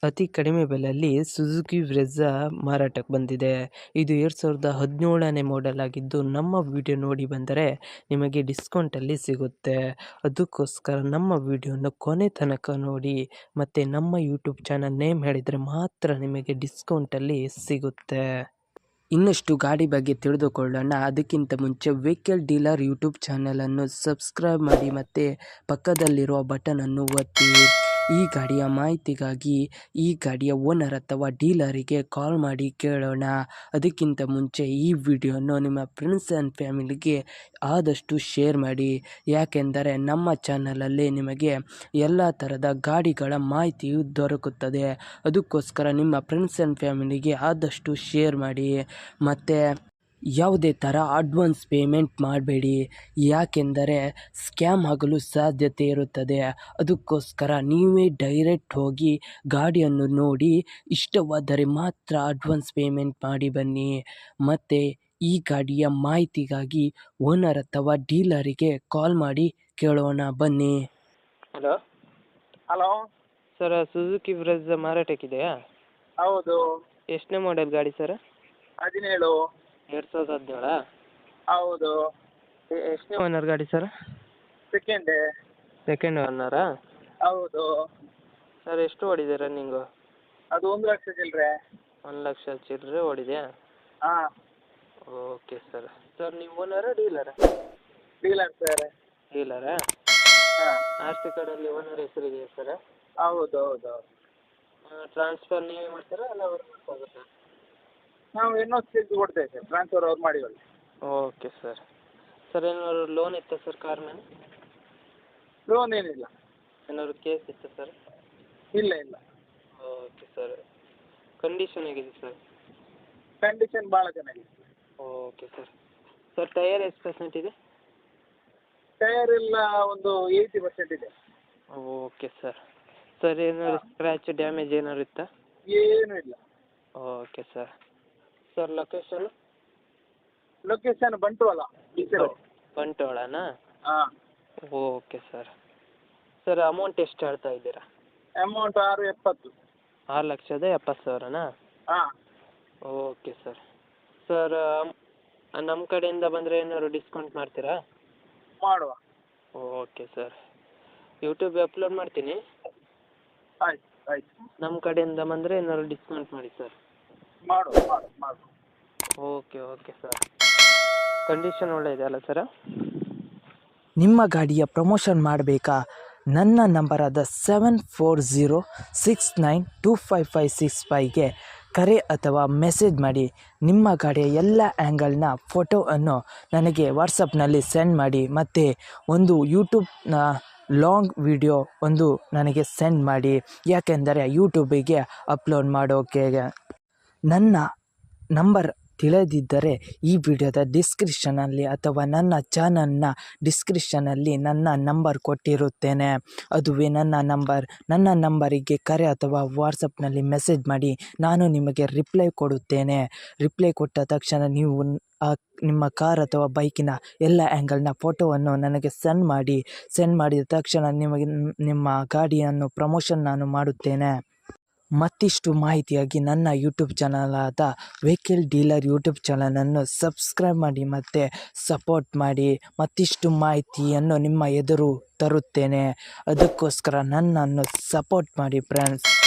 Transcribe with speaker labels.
Speaker 1: ಅತಿ ಕಡಿಮೆ ಬೆಲೆಯಲ್ಲಿ ಸುಜುಕಿ ಬ್ರೆಝಾ ಮಾರಾಟಕ್ಕೆ ಬಂದಿದೆ. ಇದು 2017ನೇ ಮಾಡೆಲ್ ಆಗಿದ್ದು, ನಮ್ಮ ವಿಡಿಯೋ ನೋಡಿ ಬಂದರೆ ನಿಮಗೆ ಡಿಸ್ಕೌಂಟಲ್ಲಿ ಸಿಗುತ್ತೆ. ಅದಕ್ಕೋಸ್ಕರ ನಮ್ಮ ವಿಡಿಯೋನ ಕೊನೆ ತನಕ ನೋಡಿ, ಮತ್ತು ನಮ್ಮ ಯೂಟ್ಯೂಬ್ ಚಾನಲ್ ನೇಮ್ ಹೇಳಿದರೆ ಮಾತ್ರ ನಿಮಗೆ ಡಿಸ್ಕೌಂಟಲ್ಲಿ ಸಿಗುತ್ತೆ. ಇನ್ನಷ್ಟು ಗಾಡಿ ಬಗ್ಗೆ ತಿಳಿದುಕೊಳ್ಳೋಣ. ಅದಕ್ಕಿಂತ ಮುಂಚೆ ವೆಹಿಕಲ್ ಡೀಲರ್ ಯೂಟ್ಯೂಬ್ ಚಾನಲನ್ನು ಸಬ್ಸ್ಕ್ರೈಬ್ ಮಾಡಿ ಮತ್ತು ಪಕ್ಕದಲ್ಲಿರುವ ಬಟನನ್ನು ಒತ್ತಿ. ಈ ಗಾಡಿಯ ಮಾಹಿತಿಗಾಗಿ ಈ ಗಾಡಿಯ ಓನರ್ ಅಥವಾ ಡೀಲರಿಗೆ ಕಾಲ್ ಮಾಡಿ ಕೇಳೋಣ. ಅದಕ್ಕಿಂತ ಮುಂಚೆ ಈ ವಿಡಿಯೋನ ನಿಮ್ಮ ಫ್ರೆಂಡ್ಸ್ ಆ್ಯಂಡ್ ಫ್ಯಾಮಿಲಿಗೆ ಆದಷ್ಟು ಶೇರ್ ಮಾಡಿ, ಯಾಕೆಂದರೆ ನಮ್ಮ ಚಾನಲಲ್ಲಿ ನಿಮಗೆ ಎಲ್ಲ ಥರದ ಗಾಡಿಗಳ ಮಾಹಿತಿಯು ದೊರಕುತ್ತದೆ. ಅದಕ್ಕೋಸ್ಕರ ನಿಮ್ಮ ಫ್ರೆಂಡ್ಸ್ ಆ್ಯಂಡ್ ಫ್ಯಾಮಿಲಿಗೆ ಆದಷ್ಟು ಶೇರ್ ಮಾಡಿ. ಮತ್ತು ಯಾವುದೇ ಥರ ಅಡ್ವಾನ್ಸ್ ಪೇಮೆಂಟ್ ಮಾಡಬೇಡಿ, ಯಾಕೆಂದರೆ ಸ್ಕ್ಯಾಮ್ ಆಗಲು ಸಾಧ್ಯತೆ ಇರುತ್ತದೆ. ಅದಕ್ಕೋಸ್ಕರ ನೀವೇ ಡೈರೆಕ್ಟ್ ಹೋಗಿ ಗಾಡಿಯನ್ನು ನೋಡಿ ಇಷ್ಟವಾದರೆ ಮಾತ್ರ ಅಡ್ವಾನ್ಸ್ ಪೇಮೆಂಟ್ ಮಾಡಿ ಬನ್ನಿ. ಮತ್ತು ಈ ಗಾಡಿಯ ಮಾಹಿತಿಗಾಗಿ ಓನರ್ ಅಥವಾ ಡೀಲರಿಗೆ ಕಾಲ್ ಮಾಡಿ ಕೇಳೋಣ ಬನ್ನಿ.
Speaker 2: Hello
Speaker 3: hello
Speaker 2: sir, Suzuki Brezza ಮಾರಾಟಕ್ಕಿದೆಯಾ?
Speaker 3: ಹೌದು.
Speaker 2: ಎಷ್ಟನೇ ಮಾಡೆಲ್ ಗಾಡಿ ಸರ್?
Speaker 3: 17.
Speaker 2: 2017?
Speaker 3: ಹೌದು.
Speaker 2: ಎಷ್ಟನೇ ಓನರ್ ಗಾಡಿ ಸರ್?
Speaker 3: ಸೆಕೆಂಡ್.
Speaker 2: ಸೆಕೆಂಡ್ ಓನರಾ?
Speaker 3: ಹೌದು.
Speaker 2: ಸರ್, ಎಷ್ಟು ಓಡಿದೆ ರನ್ನಿಂಗು?
Speaker 3: ಅದು 1 ಲಕ್ಷ ಚಿಲ್ಲರೆ.
Speaker 2: 1 ಲಕ್ಷ ಚಿಲ್ಲರೆ ಓಡಿದೆಯಾ?
Speaker 3: ಹಾಂ.
Speaker 2: Okay sir. ಸರ್, ನೀವು ಓನರಾ ಡೀಲರಾ?
Speaker 3: Dealer sir.
Speaker 2: ಡೀಲರಾ?
Speaker 3: ಹಾಂ.
Speaker 2: ಆರ್ ಸಿ ಕಾರ್ಡಲ್ಲಿ ಓನರ್ ಹೆಸರಿದೆಯಾ ಸರ್?
Speaker 3: ಹೌದು ಹೌದು ಹೌದು.
Speaker 2: ಟ್ರಾನ್ಸ್ಫರ್ ನೀವೇ ಮಾಡ್ತೀರಾ ಅಲ್ಲ ಅವ್ರು ಮಾಡ್ಕೋಬೇಕಾ?
Speaker 3: ನಾವು ಇನ್ನೊಂದು ಸೀಟ್ ಕೊಡ್ತೇವೆ ಸರ್, ಟ್ರಾನ್ಸ್ಫರ್ ಅವ್ರು ಮಾಡಿಕೊಳ್ಳಿ.
Speaker 2: Okay sir. ಸರ್, ಏನಾದ್ರು ಲೋನ್ ಇತ್ತಾ ಸರ್ ಕಾರ್ ಮೇಲೆ?
Speaker 3: ಲೋನ್ ಏನಿಲ್ಲ.
Speaker 2: ಏನಾದ್ರು ಕೇಸ್ ಇತ್ತಾ ಸರ್?
Speaker 3: ಇಲ್ಲ ಇಲ್ಲ.
Speaker 2: Okay sir. ಕಂಡೀಷನ್ ಹೇಗಿದೆ ಸರ್?
Speaker 3: ಕಂಡೀಷನ್ ಭಾಳ ಚೆನ್ನಾಗಿದೆ.
Speaker 2: Okay sir. ಸರ್, ಟೈಯರ್ ಎಷ್ಟು ಪರ್ಸೆಂಟ್ ಇದೆ?
Speaker 3: ಟೈರ್ ಎಲ್ಲ ಒಂದು 80% ಇದೆ.
Speaker 2: Okay sir. ಸರ್, ಏನಾದ್ರು ಸ್ಕ್ರ್ಯಾಚ್ ಡ್ಯಾಮೇಜ್ ಏನಾದ್ರು ಇತ್ತಾ?
Speaker 3: ಏನೂ ಇಲ್ಲ.
Speaker 2: Okay sir. Sir, location?
Speaker 3: Location Bantwal, ಬೀಚರು.
Speaker 2: ಬಂಟ್ವಾಳನಾ?
Speaker 3: ಹಾಂ.
Speaker 2: Okay sir. ಸರ್, ಅಮೌಂಟ್ ಎಷ್ಟು ಹೇಳ್ತಾ ಇದ್ದೀರಾ?
Speaker 3: ಅಮೌಂಟ್ 670.
Speaker 2: 6,70,000ನಾ?
Speaker 3: ಹಾಂ.
Speaker 2: Okay sir. ಸರ್, ನಮ್ಮ ಕಡೆಯಿಂದ ಬಂದರೆ ಏನಾದ್ರು ಡಿಸ್ಕೌಂಟ್ ಮಾಡ್ತೀರಾ?
Speaker 3: ಮಾಡುವ.
Speaker 2: Okay sir. ಯೂಟ್ಯೂಬ್ ಅಪ್ಲೋಡ್ ಮಾಡ್ತೀನಿ.
Speaker 3: ಆಯ್ತು ಆಯ್ತು.
Speaker 2: ನಮ್ಮ ಕಡೆಯಿಂದ ಬಂದರೆ ಏನಾದ್ರು ಡಿಸ್ಕೌಂಟ್ ಮಾಡಿ ಸರ್.
Speaker 3: ಮಾಡುವ ಮಾಡುವ ಮಾಡುವ.
Speaker 2: Okay okay sir. ಕಂಡೀಷನ್ ಒಳ್ಳೆ ಇದೆ ಅಲ್ಲ ಸರ?
Speaker 1: ನಿಮ್ಮ ಗಾಡಿಯ ಪ್ರಮೋಷನ್ ಮಾಡಬೇಕಾ? ನನ್ನ ನಂಬರಾದ 7406925565ಗೆ ಕರೆ ಅಥವಾ ಮೆಸೇಜ್ ಮಾಡಿ. ನಿಮ್ಮ ಗಾಡಿಯ ಎಲ್ಲ ಆ್ಯಂಗಲ್ನ ಫೋಟೋವನ್ನು ನನಗೆ ವಾಟ್ಸಪ್ನಲ್ಲಿ ಸೆಂಡ್ ಮಾಡಿ, ಮತ್ತು ಒಂದು ಯೂಟ್ಯೂಬ್ನ ಲಾಂಗ್ ವಿಡಿಯೋ ಒಂದು ನನಗೆ ಸೆಂಡ್ ಮಾಡಿ, ಯಾಕೆಂದರೆ ಯೂಟ್ಯೂಬಿಗೆ ಅಪ್ಲೋಡ್ ಮಾಡೋಕೆ. ನನ್ನ ನಂಬರ್ ತಿಳಿದಿದ್ದರೆ ಈ ವಿಡಿಯೋದ ಡಿಸ್ಕ್ರಿಪ್ಷನಲ್ಲಿ ಅಥವಾ ನನ್ನ ಚಾನಲ್ನ ಡಿಸ್ಕ್ರಿಪ್ಷನಲ್ಲಿ ನನ್ನ ನಂಬರ್ ಕೊಟ್ಟಿರುತ್ತೇನೆ. ಅದುವೇ ನನ್ನ ನಂಬರ್. ನನ್ನ ನಂಬರಿಗೆ ಕರೆ ಅಥವಾ ವಾಟ್ಸಪ್ನಲ್ಲಿ ಮೆಸೇಜ್ ಮಾಡಿ, ನಾನು ನಿಮಗೆ ರಿಪ್ಲೈ ಕೊಡುತ್ತೇನೆ. ರಿಪ್ಲೈ ಕೊಟ್ಟ ತಕ್ಷಣ ನೀವು ನಿಮ್ಮ ಕಾರ್ ಅಥವಾ ಬೈಕಿನ ಎಲ್ಲ ಆ್ಯಂಗಲ್ನ ಫೋಟೋವನ್ನು ನನಗೆ ಸೆಂಡ್ ಮಾಡಿದ ತಕ್ಷಣ ನಿಮಗೆ ನಿಮ್ಮ ಗಾಡಿಯನ್ನು ಪ್ರಮೋಷನ್ ನಾನು ಮಾಡುತ್ತೇನೆ. ಮತ್ತಿಷ್ಟು ಮಾಹಿತಿಯಾಗಿ ನನ್ನ ಯೂಟ್ಯೂಬ್ ಚಾನಲಾದ ವೆಹಿಕಲ್ ಡೀಲರ್ ಯೂಟ್ಯೂಬ್ ಚಾನಲನ್ನು ಸಬ್ಸ್ಕ್ರೈಬ್ ಮಾಡಿ ಮತ್ತು ಸಪೋರ್ಟ್ ಮಾಡಿ. ಮತ್ತಿಷ್ಟು ಮಾಹಿತಿಯನ್ನು ನಿಮ್ಮ ಎದುರು ತರುತ್ತೇನೆ. ಅದಕ್ಕೋಸ್ಕರ ನನ್ನನ್ನು ಸಪೋರ್ಟ್ ಮಾಡಿ ಫ್ರೆಂಡ್ಸ್.